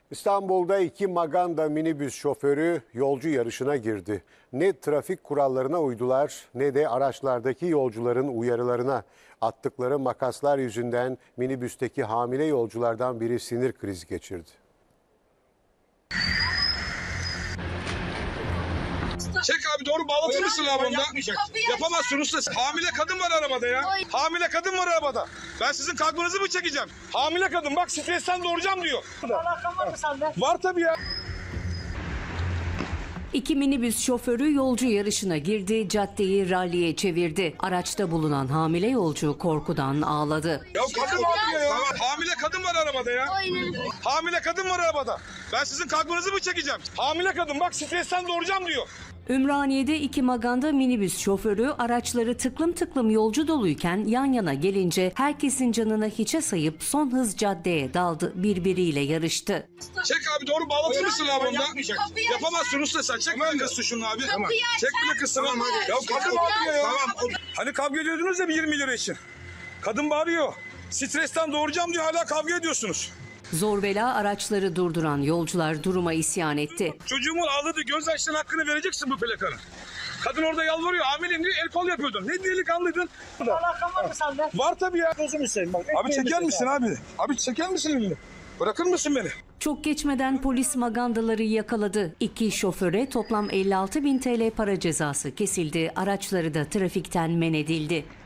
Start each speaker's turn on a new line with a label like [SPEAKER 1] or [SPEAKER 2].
[SPEAKER 1] İstanbul'da iki Maganda minibüs şoförü yolcu yarışına girdi. Ne trafik kurallarına uydular ne de araçlardaki yolcuların uyarılarına. Attıkları makaslar yüzünden minibüsteki hamile yolculardan biri sinir krizi geçirdi.
[SPEAKER 2] Çek abi, doğru bağlatır mısın abi onda? Yapamazsın usta. Hamile kadın var arabada ya. Hamile kadın var arabada. Ben sizin kalkmanızı mı çekeceğim? Hamile kadın bak, stresten doğuracağım diyor.
[SPEAKER 3] Alakan var mı sende?
[SPEAKER 2] Var tabii ya.
[SPEAKER 4] İki minibüs şoförü yolcu yarışına girdi, caddeyi ralliye çevirdi. Araçta bulunan hamile yolcu korkudan ağladı.
[SPEAKER 2] Ya kadın var ya. Hamile kadın var arabada ya. Hamile kadın var arabada. Ben sizin kalkmanızı mı çekeceğim? Hamile kadın bak, stresten doğuracağım diyor.
[SPEAKER 4] Ümraniye'de iki Maganda minibüs şoförü araçları tıklım tıklım yolcu doluyken yan yana gelince herkesin canını hiçe sayıp son hız caddeye daldı, birbiriyle yarıştı.
[SPEAKER 2] Çek abi, doğru bağlatır mısın abi onda? Yapamazsın usta sen. Çek plakasını şunu abi. Çek plakasını. Ya kadın bağırıyor ya. Hani kavga ediyordunuz ya bir 20 lira için. Kadın bağırıyor. Stresten doğuracağım diyor, hala kavga ediyorsunuz.
[SPEAKER 4] Zor bela araçları durduran yolcular duruma isyan etti.
[SPEAKER 2] Çocuğumun ağladığı gözyaşlarının hakkını vereceksin bu plakanın. Kadın orada yalvarıyor, hamileyim diyor, el kol yapıyordun. Ne delikanlıydın?
[SPEAKER 3] Alakan var mı sende?
[SPEAKER 2] Var tabii ya.
[SPEAKER 3] Gözümü seveyim bak.
[SPEAKER 2] Abi çeker misin abi? Abi çeker misin elini? Bırakır mısın beni?
[SPEAKER 4] Çok geçmeden polis magandaları yakaladı. İki şoföre toplam 56.000 TL para cezası kesildi. Araçları da trafikten men edildi.